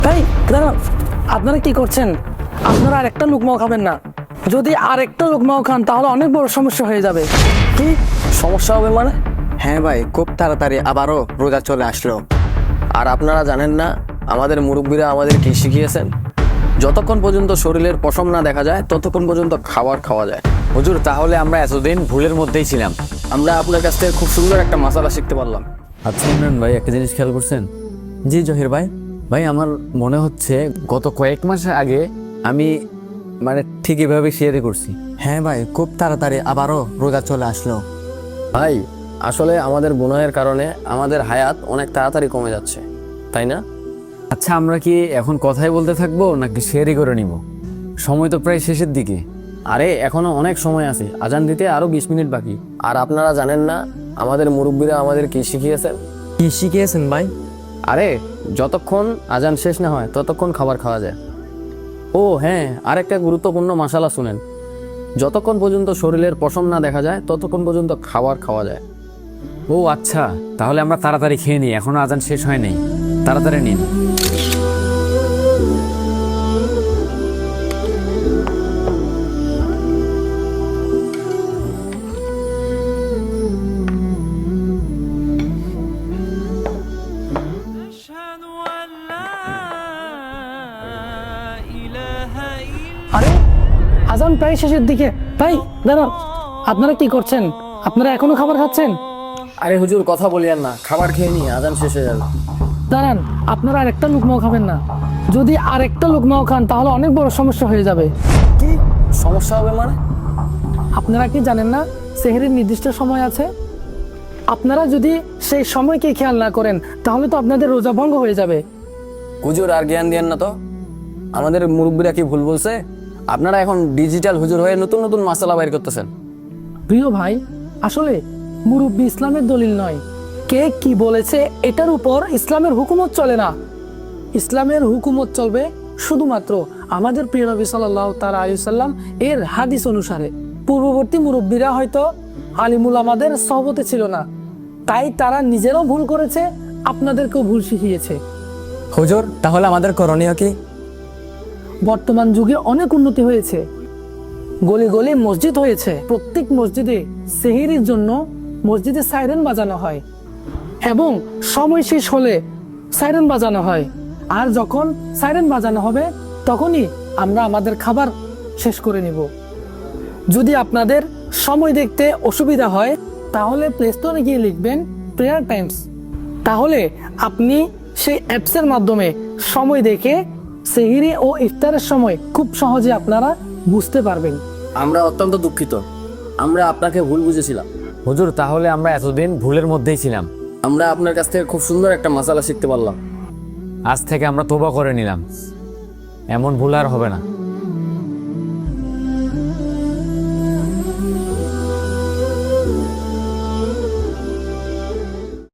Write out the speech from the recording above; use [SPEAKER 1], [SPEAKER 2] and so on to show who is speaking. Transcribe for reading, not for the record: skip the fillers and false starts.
[SPEAKER 1] ভাই দাঁড়ান, আপনারা কি করছেন? আপনারা আরেকটা লুকমাও খাবেন না। যদি আরেকটা লুকমাও খান তাহলে অনেক বড় সমস্যা হয়ে যাবে।
[SPEAKER 2] কি সমস্যা হবে মানে? হ্যাঁ ভাই, খুব তাড়াতাড়ি আবারও রোজা চলে আসলো। আর আপনারা জানেন না আমাদের মুরব্বীরা আমাদের কি শিখিয়েছেন? যতক্ষণ পর্যন্ত শরীরের পশম না দেখা যায় ততক্ষণ পর্যন্ত খাবার খাওয়া যায়।
[SPEAKER 3] হুজুর, তাহলে আমরা এতদিন ভুলের মধ্যেই ছিলাম।
[SPEAKER 2] আমরা আপনার কাছ থেকে খুব সুন্দর একটা মাসালা শিখতে পারলাম।
[SPEAKER 3] আচ্ছা ইমরান ভাই, একটা জিনিস খেয়াল করছেন? জি জহির ভাই। ভাই আমার মনে হচ্ছে গত কয়েক মাস আগে আমি ঠিক এভাবে শেয়ারে করছি।
[SPEAKER 2] হ্যাঁ ভাই, খুব তাড়াতাড়ি আবারও রোজা চলে আসলো। ভাই আসলে আমাদের গুনাহের কারণে আমাদের হায়াত অনেক তাড়াতাড়ি কমে যাচ্ছে, তাই না?
[SPEAKER 3] আচ্ছা, আমরা কি এখন কথাই বলতে থাকবো নাকি শেয়ারই করে নিব? সময় তো প্রায় শেষের দিকে।
[SPEAKER 2] আরে এখনো অনেক সময় আছে, আজান দিতে আরো 20 মিনিট বাকি। আর আপনারা জানেন না আমাদের মুরব্বীরা আমাদের কি শিখিয়েছেন?
[SPEAKER 4] কি শিখিয়েছেন ভাই?
[SPEAKER 2] আরে যতক্ষণ আজান শেষ না হয় ততক্ষণ খাবার খাওয়া যায়। ও হ্যাঁ, আরেকটা গুরুত্বপূর্ণ মশালা শুনেন, যতক্ষণ পর্যন্ত শরীরের পশম না দেখা যায় ততক্ষণ পর্যন্ত খাবার খাওয়া যায়।
[SPEAKER 3] ও আচ্ছা, তাহলে আমরা তাড়াতাড়ি খেয়ে নিই, এখনো আজান শেষ হয় নাই। তাড়াতাড়ি নিন।
[SPEAKER 5] أشهد أن لا إله إلا
[SPEAKER 1] আরে আজান প্রায় শেষের দিকে। ভাই দাঁড়ান, আপনারা কি করছেন? আপনারা এখনো খাবার খাচ্ছেন?
[SPEAKER 2] আরে হুজুর কথা বলিয়েন না, খাবার খেয়ে নিই, আজান শেষ হয়ে যাবে।
[SPEAKER 1] দাঁড়ান, আপনারা আরেকটা লুকমাও খাবেন না। যদি আরেকটা লুকমাও খান তাহলে অনেক বড় সমস্যা হয়ে যাবে।
[SPEAKER 2] কি সমস্যা হবে মানে?
[SPEAKER 1] আপনারা কি জানেন না সেহরির নির্দিষ্ট সময় আছে? আপনারা যদি সেই সময়কে খেয়াল না করেন তাহলে তো আপনাদের রোজা ভঙ্গ হয়ে যাবে।
[SPEAKER 2] হুজুর আর জ্ঞান দিয়েন না তো, আমাদের মুরব্বীরা কি ভুল বলছে? আপনারা এখন ডিজিটাল হুজুর হয়ে নতুন নতুন মাসালা বাইর করতেছেন।
[SPEAKER 1] প্রিয় ভাই, আসলে মুরব্বী ইসলামের দলিল নয়। কে কি বলেছে এটার উপর ইসলামের হুকুমত চলে না। ইসলামের হুকুমত চলবে শুধুমাত্র আমাদের প্রিয় নবী সাল্লাল্লাহু তাআলা আলাইহি সাল্লাম এর হাদিস অনুসারে। পূর্ববর্তী মুরব্বীরা হয়তো আলিমুল আমাদের সহবতে ছিল না, তাই তারা নিজেরাও ভুল করেছে, আপনাদেরকেও ভুল শিখিয়েছে।
[SPEAKER 4] হুজুর, তাহলে আমাদের করণীয় কি?
[SPEAKER 1] বর্তমান যুগে অনেক উন্নতি হয়েছে, গলি গলি মসজিদ হয়েছে। প্রত্যেক মসজিদে সেহরির জন্য মসজিদে সাইরেন বাজানো হয় এবং সময় শেষ হলে সাইরেন বাজানো হয়। আর যখন সাইরেন বাজানো হবে তখনই আমরা আমাদের খাবার শেষ করে নিব। যদি আপনাদের সময় দেখতে অসুবিধা হয় তাহলে প্লে স্টোরে গিয়ে লিখবেন প্রেয়ার টাইমস। তাহলে আপনি সেই অ্যাপসের মাধ্যমে সময় দেখে সেহরি ও ইফতারের সময় খুব সহজে আপনারা বুঝতে পারবেন।
[SPEAKER 2] আমরা অত্যন্ত দুঃখিত, আমরা আপনাকে ভুল বুঝেছিলাম।
[SPEAKER 3] হুজুর, তাহলে আমরা এতদিন ভুলের মধ্যেই ছিলাম।
[SPEAKER 2] আমরা আপনার কাছ থেকে খুব সুন্দর একটা মাসালা শিখতে পারলাম।
[SPEAKER 3] আজ থেকে আমরা তওবা করে নিলাম, এমন ভুল আর হবে না।